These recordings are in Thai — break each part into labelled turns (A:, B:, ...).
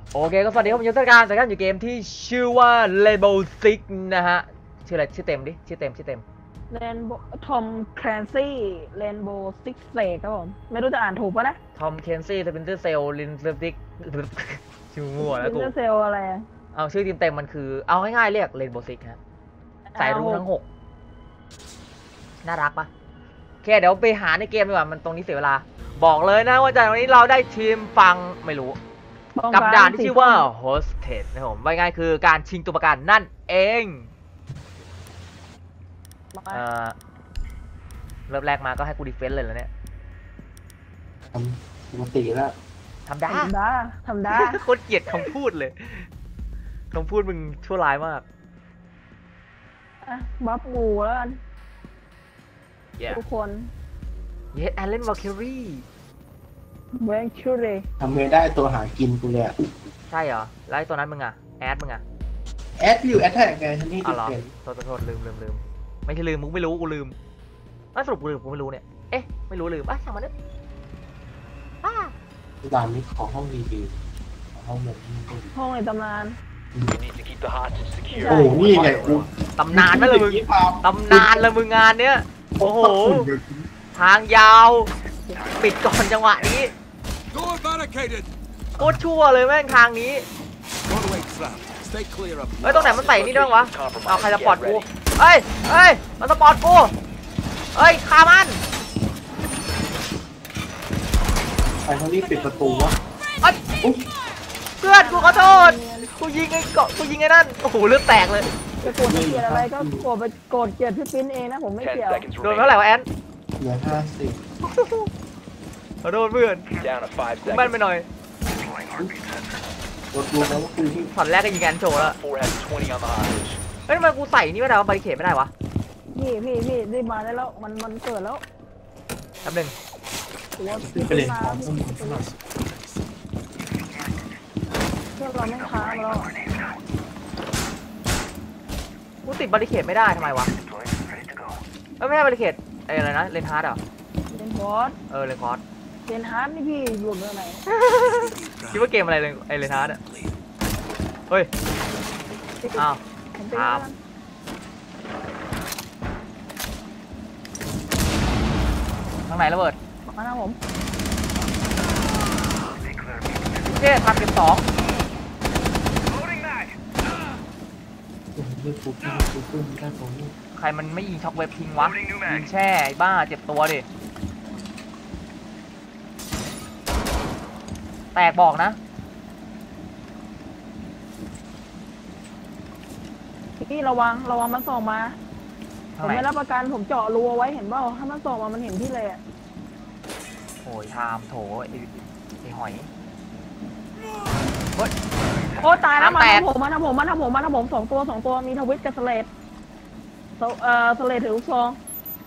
A: โอเคก็สวัสดีครับผมยุทธการจากการอยู่เกมที่ชื่อว่า Rainbow Six นะฮะชื่ออะไรชื่อเต็มดิชื่อเต็ม
B: เรนโบทอมแคลนซี่เรนโบว์ซิกเซกครับผมไม่รู้จะอ่านถูกปะนะ
A: ทอมเคนซี่สปินเตอร์เซลลินเซอร์ติกชื่อมั่ว
B: ซิ
A: แล้ว
B: น
A: กู
B: เตอร์เซลอะไรอะ
A: เอาชื่อทีมเต็มมันคือเอาง่ายๆเรียก Rainbow Six ฮะสายรุ้งทั้ง6น่ารักปะโอเคเดี๋ยวไปหาในเกมดีกว่ามันตรงนี้เสียเวลาบอกเลยนะว่าจากวันนี้เราได้ทีมฟังไม่รู้กับด่านที่ชื่อว่า Hostage นะครับผมว่าง่ายคือการชิงตัวประกันนั่นเองเริ่มแรกมาก็ให้กูดีเฟนส์เลยแล้วเนี่ย
C: ทำปกติแล้ว
A: ทำได้โคตรเกลียดคำพูดเลยคำพูดมึงชั่วร้ายมาก
B: บัฟงูแล้วกันทุกคน
A: เยสแอลเลนวอลคิรี่
B: เวนชูเร
C: ทำเงินได้ตัวหากินกูเลยอ่ะ
A: ใช่เหรอแล้วไอ้ตัวนั้นมึงอะแอดมึงอะ
C: แอดอยู่แอดแท็กไงฉันนี่ติดเป็น
A: โทษลืมไม่ใช่ลืมมึงไม่รู้กูลืมสรุปกูไม่รู้เนี่ยเอ๊ะไม่รู้ลืมช่างมันเถอะ
C: ร้านนี้ขอห้องดีๆห้องแบบนี้
B: ห้องในตำนาน
C: โอ้นี่ไงกู
A: ตำนานนั่นเลยมึงตำนานเลยมึงงานเนี้ยโอ้โหทางยาวปิดก่อนจังหวะนี้โคตรชั่วเลยแม่งทางนี้ตรงไหนมันใส่นี่ด้วยวะเอาใครสปอร์ตกูเฮ้ยมันสปอร์ตกูฆ่ามัน
C: ใครเขารีบปิดประตูวะ
A: เพื่อนกูขอโทษกูยิงไอ้นั่นโอ้โหเลือดแตกเลย
B: จะโกรธเกลียดอะไรก็โกรธเกลียดพี่ปิ้นเองนะผมไม่เกี่ยว
A: โดนเท่าไหร่วะแอน
C: เหลือ50
A: ขอโทษเพื่อนกูแม่นไปหน่อย
C: กดดูแล้วว่ากูที่
A: ช็อตแรกก็ยิงแอนโชว์แล้วเฮ้ยทำไมกูใส่นี่ไม่ได้วะบาริเคดไม่ได้วะ
B: พี่ได้มาได้แล้วมันเกิดแล้ว
A: แป๊บนึง
C: ไปเล่นของพวกมึงซะหน่อย
B: เพื่อนเราไม่ค้ามาแล้ว
A: กูติดบาริเคดไม่ได้ทำไมวะไม่ใช่บาริเคดอะไรนะเลนฮาร์ดเหรอ
B: เลนคอร์ด
A: เลนคอร์ด
B: เลนฮาร์ดนี่พี่หลุดเมื่อไหร่
A: คิดว่าเกมอะไรเลยเลนฮาร์ดอ่ะเฮ้ยอ้าวทางไหนระเบิด
B: มาหน้าผม
A: เจ๊ทำเก็บ2ใครมันไม่ยิงช็อคเวฟทิ้งวะยิงแช่ไอ้บ้าเจ็บตัวดิแตกบอกนะ
B: พี่ระวังมันส่งมาผมไม่รับประกันผมเจาะรูเอาไว้เห็นเปล่าถ้ามันส่งมามันเห็นพี่เลย
A: โอยทามโถไอ้หอย
B: โอ้ตายแล้วมาทำผม2ตัวมีทวิตกับสเลดสเลดถือลูกซอง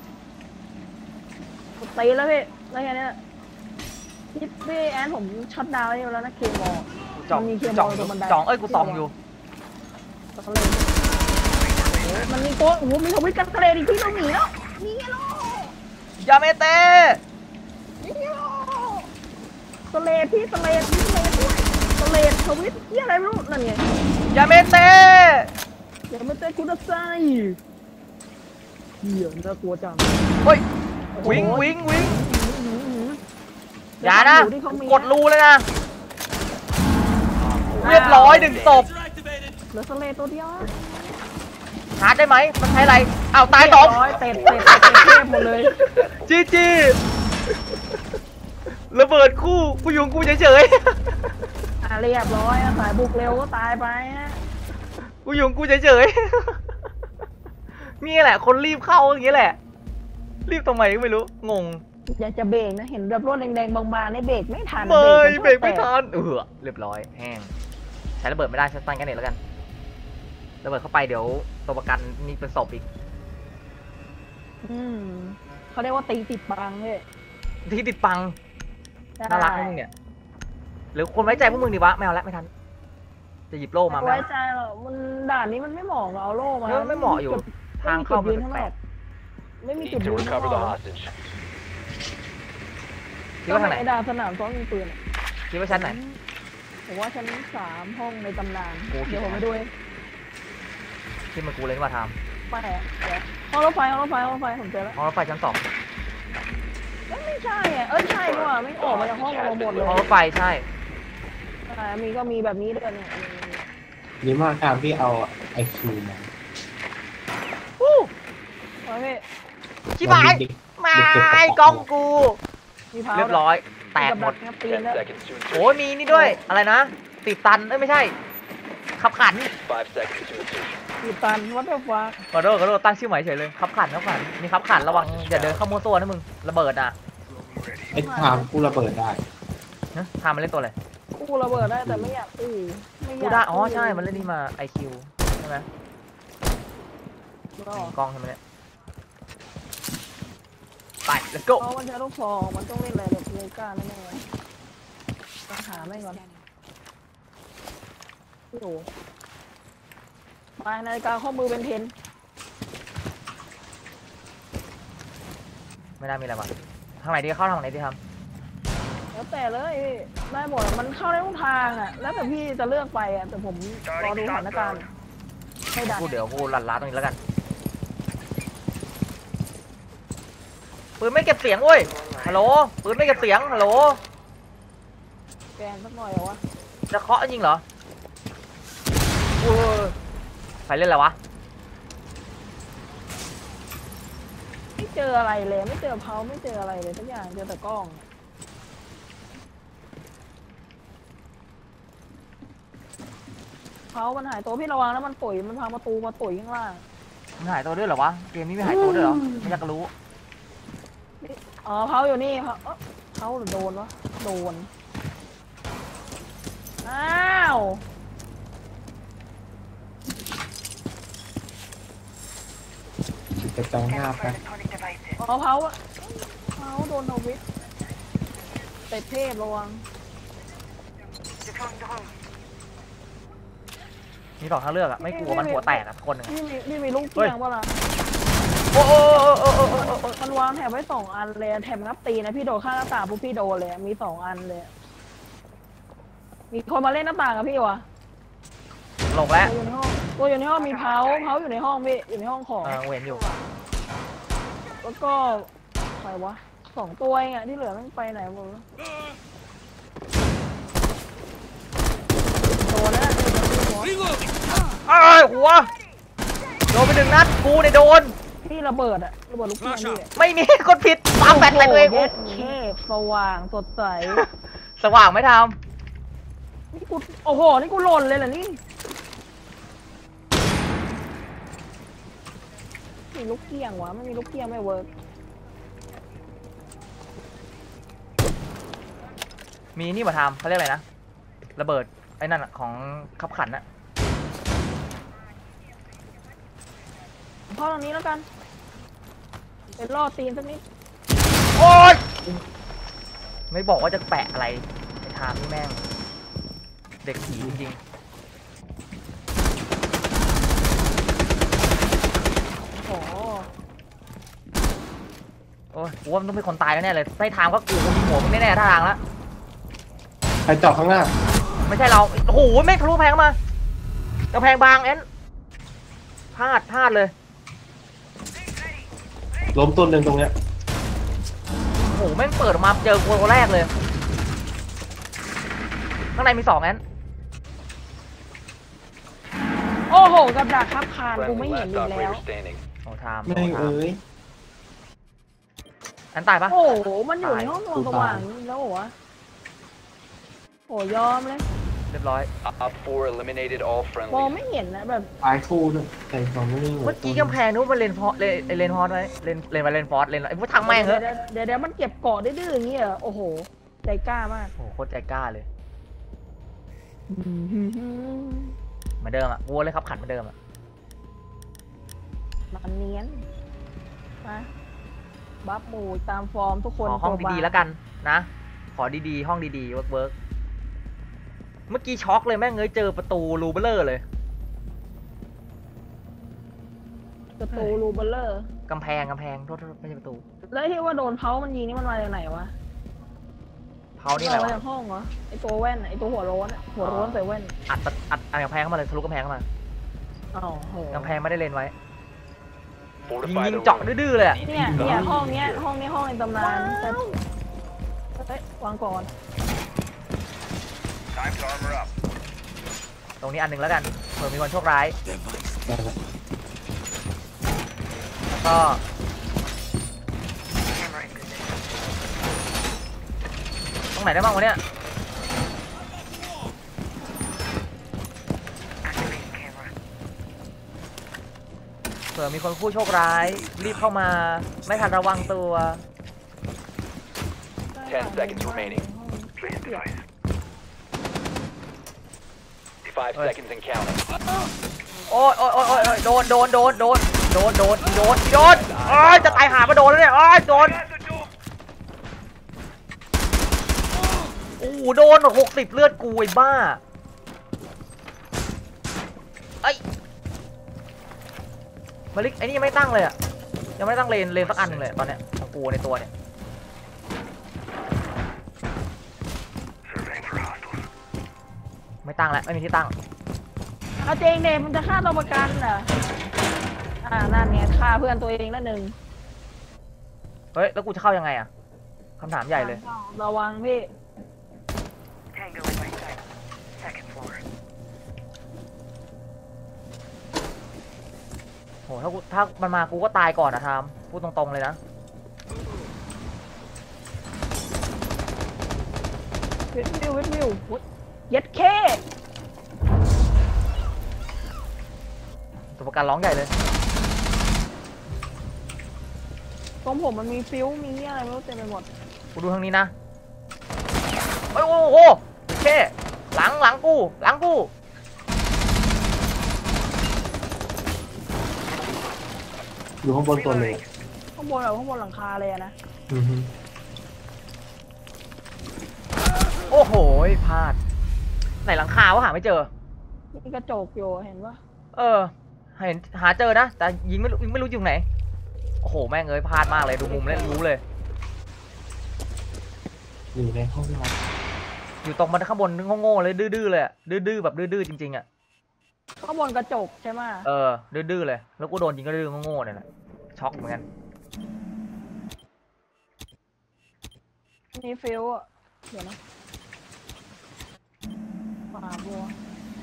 B: ตีแล้วพี่อะไรแค่นี้พี่แอนผมช็อตดาวน์อยู่แล้วนะเคมอล
A: มีเคมอลตรงบันไดกูส่องอยู่
B: สเลดมันมีโก้โอ้โหมีทวิตกับสเลดอีกที่ต้องหนีแล้วนี่ไงล่ะ
A: ยาเมเต้
B: นี่ไงล่ะสเลดด้วยสเลดทวิตที่อะไรไม่รู้นั่นไง
A: ยาเมเต้
B: คุณนักไซเหี้ยน่ากลัวจัง
A: เฮ้ยวิ่งอย่านะกดรูเลยนะเรียบร้อย1ศพ
B: เหลือสเลดตัวเดียว
A: ชาร์จได้ไหมมันใช้อะไรอ้าวตาย2
B: เตะหมดเลย
A: จีระเบิดคู่กูอยู่กูเฉย
B: เรียบร้อยสายบุกเร็วก็ตายไป
A: กูอยู่กูเฉยนี่แหละคนรีบเข้าอย่างนี้แหละรีบทำไมก็ไม่รู้งง
B: อยากจะเบรกนะเห็นรถแดงๆบางๆในเบรกไม่ทัน
A: เบรกไม่ทันเรียบร้อยแห้งใช้ระเบิดไม่ได้ใช้ตั้งแค่นี้แล้วกันระเบิดเข้าไปเดี๋ยวตัวประกันนี่เป็นศพอีก
B: เขาเรียกว่าตีติดปังเลย
A: ที่ติดปังน่ารักพวกมึงเนี่ยหรือคนไว้ใจพวกมึงดีวะไม่เอาละไม่ทันจะหยิบโล่มา
B: ไม่ไว้ใจหรอกมันด่านนี้มันไม่เหมาะเอาโล่มา
A: ไม่เหมาะอยู่ทางเข้ามันแปลก
B: ไม่มีจุดยืน
A: คิดว่าทางไหน
B: ด่านสนามซ้อมยิงปืน
A: คิดว่าชั้นไหน
B: ผมว่าชั้น3ห้องในตำนานเดี๋ยวผมไปดูเอง
A: ที่มันกูเลยมาท
B: ไปเดี๋ยวห้องรถไฟผมเจอแล้ว
A: ำห้องรถไฟชั้น 2
B: ไม่ใช่อ่ะใช่ด้วยไม่ออกมาจากห้องเราหมดเลย
A: ห้องรถไฟใช่
B: ก็มีแบบนี้ด้วยเนี่ย
C: นี่มากครับที่เอาไอคิวมา
A: วู้
B: โอ้ยพี่
A: ชิบหายมาไอ้กล้องกู
B: มีเท้า
A: เรียบร้อย แตกหมด
B: กับตีนแล้ว
A: โอ้ยมีนี่ด้วย อะไรนะ ติดตัน ไม่ใช่ ขับขัน
B: ตีตันวัดเดอร์ฟ้า
A: ขอโทษตั้งชื่อใหม่เฉยเลย ขับขัน มีขับขันระวังอย่าเดินเข้ามัวตัวนะมึง ระเบิดอ่ะ
C: ไอ้ถามกูระเบิดได้
A: นะทำมันเล่นตัวอะไร
B: กูระเบิดได้แต่ไม่อยากไม่อยาก
A: กูได้ อ๋อใช่ มันเล่นนี่มา IQ ใช่ไหม
B: ก็
A: กล้องใช่ไหมเนี่ย ไป let's go
B: เพราะมันใช้ลูกซองมันต้องเล่นอะไรแบบเลก้าแน่ๆเลยต้องหาไม่ก่อนโอ้โหไปนาฬิกาข้อมือเป็นเพน
A: ไม่น่ามีอะไรวะทางไหนดีเข้าทางไหนดีท
B: แล้วแต่เลยพี่ได้หมดมันเข้าได้ทุกทางอ่ะแล้วแต่พี่จะเลือกไปอ่ะแต่ผมรอดูสถานการณ์ไม่ดัน
A: ำกูเดี๋ยวกูลัดล้าตรงนี้แล้วกัน ปืนไม่เก็บเสียงเว้ย ฮัลโหล ปืนไม่เก็บเสียง ฮัลโหล
B: แกนสักหน่อยเหรอวะ
A: จะเคาะจริงเหรอโอ้ยใครเล่นอะไรวะ
B: ไม่เจออะไรเลยไม่เจอเพาไม่เจออะไรเลยทุกอย่างเจอแต่กล้องเพามันหายตัวพี่ระวังแล้วมันตุ๋ยมันพังประตูมาตุ๋ยข้างล่าง
A: มันหายตัวด้วยเหรอวะ เกมนี้ไม่หายตัวด้วยเหรอ ไม่อยากรู้
B: อ๋อเพาอยู่นี่เพาหรือโดนวะโดนอ้าว
C: จะจองหน้าไป
B: อ๋อเพาโดนทวิตเตะเทพระวัง
A: มีสองทางเลือกอะไม่กลัวมันหัวแตกอะคนหนึ่งอะ
B: นี่มีลูกเกียงป่ะล่ะ
A: โอ้โอ้โอ้โอ้โอ้โอ้โอ้
B: มันวางแถบไว้2 อันเลยแถบงับตีนะพี่โดดข้างหน้าต่างปุ๊บพี่โดนเลยมี2 อันเลยมีคนมาเล่นหน้าต่างกับพี่วะ
A: หลงแล้ว
B: ตัวอยู่ในห้องมีเพาอยู่ในห้องพี่อยู่ในห้องของ
A: เวนอยู่
B: แล้วก็ใครวะ2 ตัวเองอะที่เหลือมันไปไหนหมดแล้วโดนแล้ว
A: อ้าวหัว โดนไป1 นัด กูเนี่ยโดน
B: พี่ระเบิดอะระเบิดลูกเกียงพี่
A: ไม่มีคนผิดปาแฟดใส่ตัวเอง
B: เย็ดเคสว่างสดใส
A: สว่างไม่ท
B: นี่กูโอ้โหนี่กูหล่นเลยเหรอนี่มีลูกเกียงวะไม่มีลูกเกียงไม่เวิร์ก
A: ำมีนี่มาทำเขาเรียกอะไรนะ ระเบิดไอ้นั่นอะของขับขันอะ
B: เข้าตรงนี้แล้วกันเป็นล่อตีนสักนิด
A: โอ๊ยไม่บอกว่าจะแปะอะไรไอ้ทามนี่แม่ง เด็กผีจริง
B: โอ้โห
A: ๆ โอ้ยกูว่ามันต้องเป็นคนตายแน่ๆเลยไอ้ทามก็กูยิงหัวมึงแน่ๆท่าทางแล้ว
C: ใครเจาะข้างหน้า
A: ไม่ใช่เรา โอ้โหแม่งทะลุแพงมากระแพงบางแอนพลาดเลย
C: ล้มตัวหนึ่งตรงเนี้ย
A: โอ้โหแม่งเปิดออกมาเจอคนแรกเลย ข้างในมี2 แอน
B: โอ้โหกับดักครับคานกูไม่เห็นอีกแล้ว
A: โอ้ทาม
C: แม่งเอ้ย
A: แอนตายปะ
B: โอ้โหมันอยู่ในห้องนอนสว่างนี่แล้วเหรอวะโอ้ยอมเลย
A: เรียบร้อย
D: Op 4 eliminated all
B: มอง
D: friendlies.
B: ไม่เห็นนะแบบ
C: ตายคู่ด้วยแต่สองไม่ได้
A: เมื่อกี้กำแพงนู้นมันเลนฟอร์เลนฟอร์ไว้เลนฟอร์เลนไอ้พวกทางแม่งเหรอ
B: เดี๋ยวมันเก็บเกาะดื้อๆอย่างเงี้ยเหรอโอ้โหใจกล้ามาก
A: โอ้โหโคตรใจกล้าเลยเหมือนเดิมอะวัวเลยครับขันเหมือนเดิมอะ
B: มันเนียนมาบัฟหมูตามฟอร์มทุกคน
A: ขอห้อง
B: ตัวบา
A: ดีๆแล้วกันนะ ขอดีๆห้องดีๆเวิร์กเมื่อกี้ช็อกเลยแม่งเจอประตูรูเบลเลอร์เลย
B: ประตูรูเบลเลอร์
A: กำแพงโทษไม่ใช่ประตู
B: แล้วที่ว่าโดนเผามันยิงนี่มันมาจากไหนวะ
A: เเผานี่อะไร
B: ม
A: วะ
B: จากห้องเหรอไอตัวแว่นไอตัวหัวโล้นอะหัวโล้นใส่แว่น
A: อัดกำแพงเข้ามาเลยทะลุกำแพงเข้ามา
B: อ้าวโห
A: กำแพงไม่ได้เลนไว้ ยิง
D: Fortify
A: ยิง
D: the
A: เจาะ
D: room.
A: ดื้อๆเลยอะ
B: เนี่ยห้องเนี้ยห้องในตำนานแต่เฮ้ยวางก่อน
D: Time to armor up.
A: ตรงนี้อันหนึ่งแล้วกันเผื่อมีคนโชคร้าย
C: ได้ละ
A: แล้วก็ตรงไหนได้บ้างวะเนี่ยเผื่อมีคนผู้โชคร้ายรีบเข้ามาไม่ทันระวังตัว
D: 10 seconds remaining. 5 seconds and counting.
A: โอ้ยโดนโอ้ยจะตายหามาโดนแล้วเนี่ยโอ้ยโดนโอ้โหโดน60เลือดกูไอ้บ้าไอ้มาลิกไอ้นี่ยังไม่ตั้งเลยอะยังไม่ตั้งเลนสักอันหนึ่งเลยตอนเนี้ยของกูในตัวเนี่ยไม่ตั้งแล้วไม่มีที่ตั้ง
B: เอาเจงเดมันจะฆ่าตัวประกันเหรอนั่นไงฆ่าเพื่อนตัวเองนั่นหนึ่ง
A: เฮ้ยแล้วกูจะเข้ายังไงอะคำถามใหญ่เลย
B: ระวังพี่
A: โหถ้ามันมากูก็ตายก่อนนะทามพูดตรงๆเลยนะ
B: วิวเย็ดเค
A: ตัวประกันร้องใหญ่เลย
B: ตรงผมมันมีฟิวมีอะไรไม่รู้เต็มไปหมด
A: กูดูทางนี้นะโอ้โหโอเคหลังกู
C: อยู่ข้างบนตัวเลย
B: ข้างบนแบบข้างบนหลังคาเลยอะนะ
C: อือฮึ
A: โอ้โหพลาดไหนหลังคาวะหาไม่เจอ
B: มีกระจกอยู่เห็นปะ
A: เห็นหาเจอนะแต่ยิงไม่รู้อยู่ไหนโอ้โหแม่งเอ้ยพลาดมากเลยดูมุมแล้วรู้เลย
C: อยู่ในห้องนอน
A: อยู่ตรงมันข้างบนโง่ๆเลยดื้อๆเลยอะดื้อๆแบบดื้อๆจริงๆอะ
B: ข้างบนกระจกใช่ไหม
A: ดื้อๆเลยแล้วกูโดนยิงก็ดื้อโง่ๆเนี่ยแหละช็อกเหมือนกัน
B: มีฟิวอะเดี๋ยวนะป่าบัว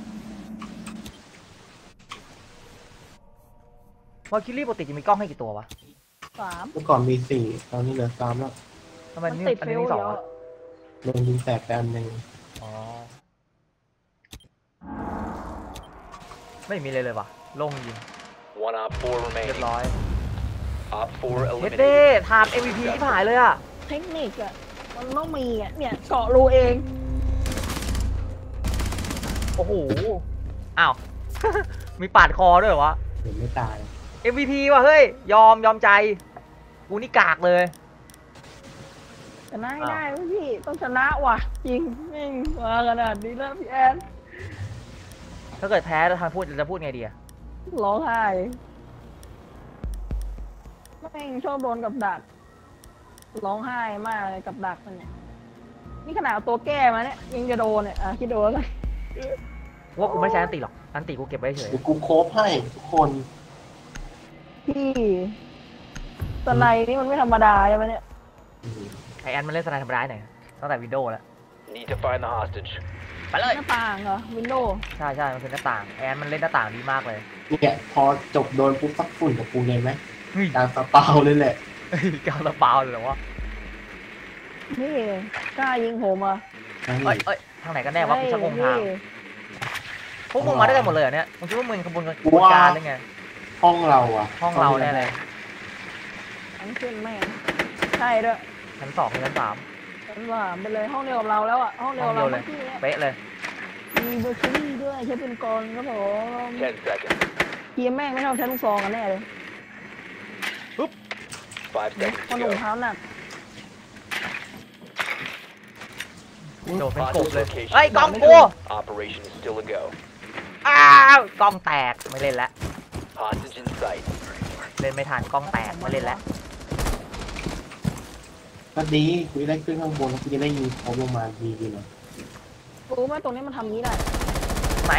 A: วอลคิลี่ปกติจะมีกล้องให้กี่ตัววะ
B: 3
C: เมื่อก่อนมี4ตอนนี้เหลือ3แล้ว
A: ทำไม
B: มัน
A: นี่
B: ติด
A: อัน
B: ฟิ
A: นี้
B: ว
A: มี
B: เย
A: สอง
B: อะ
A: อะ
C: โดนยิงแตกไปอันหนึ่ง
A: อ๋อไม่มีเลยว่ะโล่งจริง
D: One op 4
A: เรียบ
D: remaining.
A: ร้อย
D: Op 4
A: เฮ็ดเด้
D: eliminated.
A: ทาม MVP ที่ผ่านเลยอะ
B: เทคนิคอะมันต้องมีอะเนี่ยเกาะรูเอง
A: โอ้โหอ้าว มีปาดคอด้วยเหรอวะ
C: เห็นไม่ตาย
A: MVP ว่ะเฮ้ยยอมใจกูนี่กากเลย
B: ชนะให้ได้เว้ยพี่ต้องชนะว่ะจริงไม่งมาขนาดนี้แล้วพี่แอน
A: ถ้าเกิดแพ้แล้วทางพูดจะพูดไงดีอะ
B: ร้องไห้แม่งชอบโดนกับดักร้องไห้มากเลยกับดักมันเนี่ยนี่ขนาดเอาตัวแก้มาเนี่ยยังจะโดนเนี่ยคิดดูแล้วกัน
A: ว่ากูไม่ใช้อันติหรอกอันติกูเก็บไว้เฉย
C: เดี๋ยวกูโคฟให้ทุกคน
B: พี่สไนด์นี่มันไม่ธรรมดาใช่ไหมเนี่ย
A: ไอแอนมันเล่นสไนด์ธรรมดาหน่อยตั้งแต่วินโดว์แล้ว
D: Need to find the hostage.
A: ไปเลย
B: หน้าต่างเหรอวินโดว์
A: ใช่มันเป็นหน้าต่างแอนมันเล่นหน้าต่างดีมากเลย
C: เนี่ยพอจบโดนปุ๊บซักฝุ่นกับกูเลยไหม
A: เฮ้ย
C: การสปาวเลยแหละ
A: กาวระเปาเลยเหรอวะ
B: นี่กล้ายิงผมอ่ะ
A: เอ้ยทางไหนกันแน่วะกูชักงงทางพวกมึงมาได้กันหมดเลยเหรอเนี่ยมึงคิดว่ามึงขบวนการหรือไง
C: ห้องเราอะ
A: ห้องเราแน่เลย
B: ทั้งขึ้นแม่งใช่ด้วย
A: ชั้น2ชั้น3
B: ฉันว่าไปเลยห้องเดียวกับเราแล้วอ่ะห้องเดียวกับเรา
A: ห้องเดียวเลย
B: เมื่อกี้เนี่ย
A: เป๊ะเลย
B: มีเบอร์คิรี่ด้วยใช้เป็นกลครับผม
D: 10 seconds.
B: ทีมแม่งไม่ชอบใช้ลูกซองกันแน่เลย
D: 5 seconds
B: คน
D: to
B: หนุ่ม
D: go.
B: เท้าหนัก
A: โดดเป็นกบ
D: Hostage
A: เลย
D: location.
A: เฮ้ยกล้องกู
D: Operation is still a go.
A: อ้าวกล้องแตกไม่เล่นแล้ว
D: Hostage in sight.
A: เล่นไม่ทันกล้องแตกไม่เล่นแล้ว
C: เก็ดีกูจะได้ขึ้นข้างบนแล้วกูจะได้ยิงเขาลงมาดีๆหน่อย
B: รู้ไหมตรงนี้มันทำนี้ได้
A: ไหน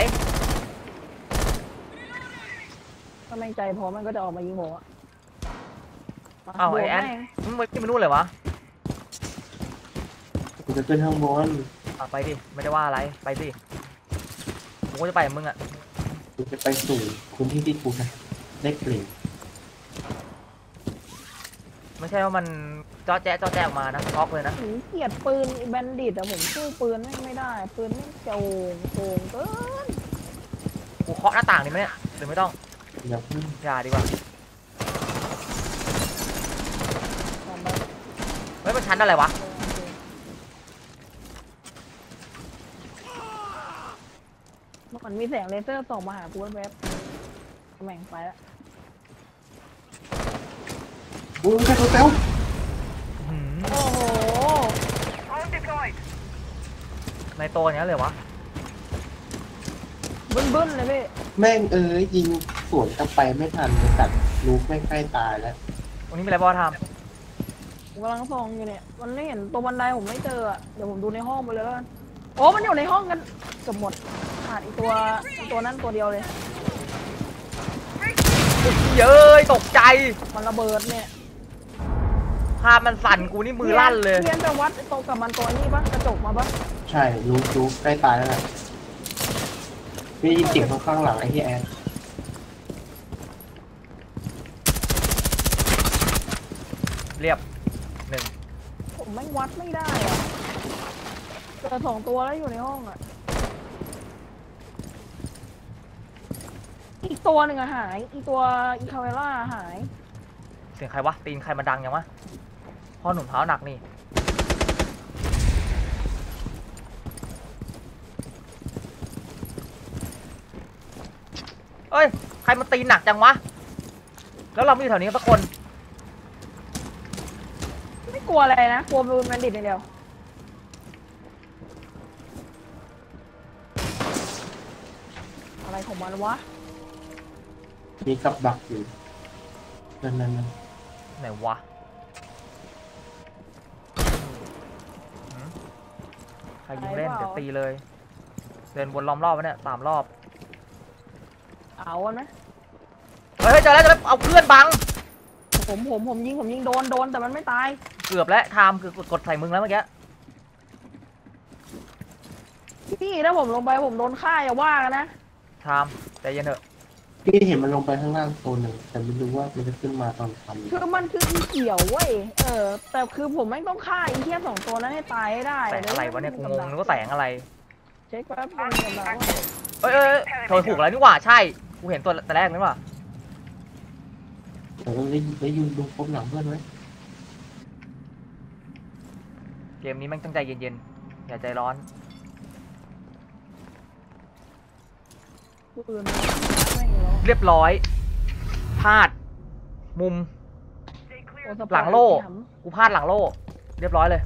B: ถ้าไม่ใจพอมันก็จะออกมายิงผมอะ
A: อ้าวไอ้แอน มึงไปที่มันนู่นเลยวะ
C: กูจะขึ้นข้างบน
A: ไปดิไม่ได้ว่าอะไรไปสิกูก็จะไปกับมึงอ่ะ
C: กูจะไปสู่พื้นที่ที่กูได้กลิ่น
A: ไม่ใช่ว่ามันจ้อแจ๊ะออกมานะช็อกเลยนะ
B: ผมเกลียดปืนแบนดิตอะผมสู้ปืนไม่ได้ ปืนไม่โกงเกิน
A: กูเคาะหน้าต่างดิไหมเนี่ยหรือไม่ต้อง
C: อย่าเพิ่ง
A: อย่าดีกว่า
B: ลองไป
A: เฮ้ยมันชั้นอะไรวะ
B: เมื่อก่อนมีแสงเลเซอร์ส่องมาหากูแวบๆแม่งไปละ
C: อุ้ยใช่ตัวเต้า
A: หืม
B: โอ้โห
A: ในโตอย่างนี้เลยวะ
B: บึ้นๆเลยพี่
C: แม่งยิงสวนกลับไปไม่ทันเลยตัดลูกแม่งใกล้ตายแล้ว
A: วันนี้มีอะไรบ้างท
B: ผมกำลังส่องอยู่เนี่ย มันไม่เห็นตัวบันไดผมไม่เจออะเดี๋ยวผมดูในห้องไปเลยแล้วกันโอ้มันอยู่ในห้องกันเกือบหมดขาดอีกตัวนั้นตัวเดียวเลย
A: ำเย้ยตกใจ
B: มันระเบิดเนี่ย
A: ภาพมันสั่นกูนี่มือลั่นเลย
B: เรียนจะวัดโตกับมันตัวนี้ปะกระจกมาปะ
C: ใช่ลูกใกล้ตายแล้วแหละได้ยินเสียงข้างหลังไอ้ที่แอน
A: เรียบหนึ่ง
B: ผมไม่วัดไม่ได้อะเจอ2 ตัวแล้วอยู่ในห้องอะอีกตัวหนึ่งอะหาย อีตัวอีคาเวล่าหาย
A: เสียงใครวะตีนใครมาดังยังวะพ่อหนุ่มเท้าหนักนี่เอ้ยใครมาตีนหนักจังวะแล้วเราไม่อยู่แถวนี้สักคน
B: ไม่กลัวอะไรนะ กลัวบูนแมนดิตอย่างเดียว อะไรของมันวะ
C: มีกับดักอยู่นั่น
A: ไหนวะหืมใครยิงเล่น
B: ใครเปล่า
A: เดี๋ยวตีเลย เดินวนล้อมรอบวะเนี่ย3 รอบ
B: เอากันไหม
A: เฮ้ยเจอแล้วเอาเพื่อนบัง
B: ผมยิงโดนแต่มันไม่ตาย
A: เกือบแล้วไทม์คือกดใส่มึงแล้วเมื่อกี้
B: พี่ถ้าผมลงไปผมโดนฆ่าอย่าว่ากันนะ
A: ไทม์ใจเย็นเถอะ
C: พี่เห็นมันลงไปข้างล่างตัวหนึ่งแต่ไม่รู้ว่ามันจะขึ้นมาตอนทำ
B: คือมันคืออีเกี่ยวเว้ย แต่คือผมไม่ต้องฆ่าอีเทีย2 ตัวนั้นให้ตายให้ได้
A: แสงอะไรวะเนี่ยกูงงนึกว่าแสงอะไร
B: เช็คแป๊บนึงกำลัง
A: เอ้ยโถยถูกแล้วนี่หว่าใช่กูเห็นตัวแต่แรกนี่หว่า
C: แต่ก็ได้ยินดูพบหลังเพื่อนไว้
A: เกมนี้แม่งต้องใจเย็นๆอย่าใจร้อน
B: ปืนไม่เหรอ
A: เรียบร้อยพลาด มุม
B: โอ้สปอย
A: หลังโล่ กูพลาดหลังโล่ เรียบร้อยเลย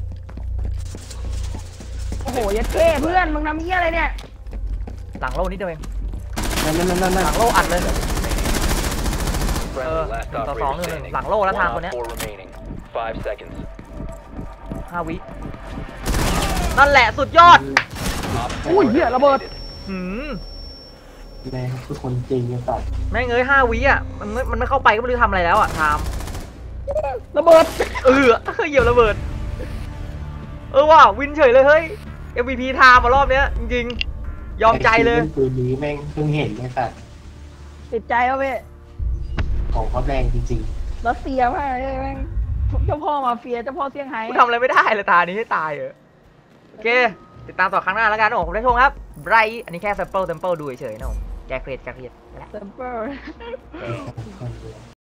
B: โอ้โหยัดเท่เพื่อนมึงทำเหี้ยอะไรเนี่ย
A: หลังโล่นิดเดียวเอง
C: นั่น
A: หลังโล่อัดเลย
D: Friendly, last
A: 1 ต่อ
D: operator
A: 2
D: standing.
A: หลังโล่แล้ว
D: One
A: ทาง
D: op
A: คนเนี้ย
D: 4 remaining. 5 seconds.
A: 5 วินั่นแหละสุดยอด
D: Op
B: อุ้ย
D: 4
B: เหี้ยระเบิด
D: eliminated.
A: หืม
C: แม่คือคนจริงยังตัด
A: แม่งเอ้ย5 วิอ่ะมันไม่เข้าไปก็ไม่รู้ทำอะไรแล้วอ่ะไทม์
B: ระเบิด
A: เหยียบระเบิดว่ะวินเฉยเลยเฮ้ย MVP ไทม์มารอบเนี้ยจริงๆยอมใจเลย
C: ปืนนี้แม่งเพิ่งเห็นไอ้ตัด
B: ติดใจเอาเว้ย
C: ของเขาแรงจริง
B: รัสเซียมากเลยแม่งเจ้าพ่อมาเฟียเจ้าพ่อเซี่ยงไฮ้
A: กูทำอะไรไม่ได้เลยตานี้ให้ตายเหรอโอเค ติดตามต่อครั้งหน้าแล้วกันนะผมได้ชมครับไบรท์อันนี้แค่แซมเปิลดูเฉยๆนะผมแกเครียดไปแล้ว
B: เซมเปอร์
C: ๆ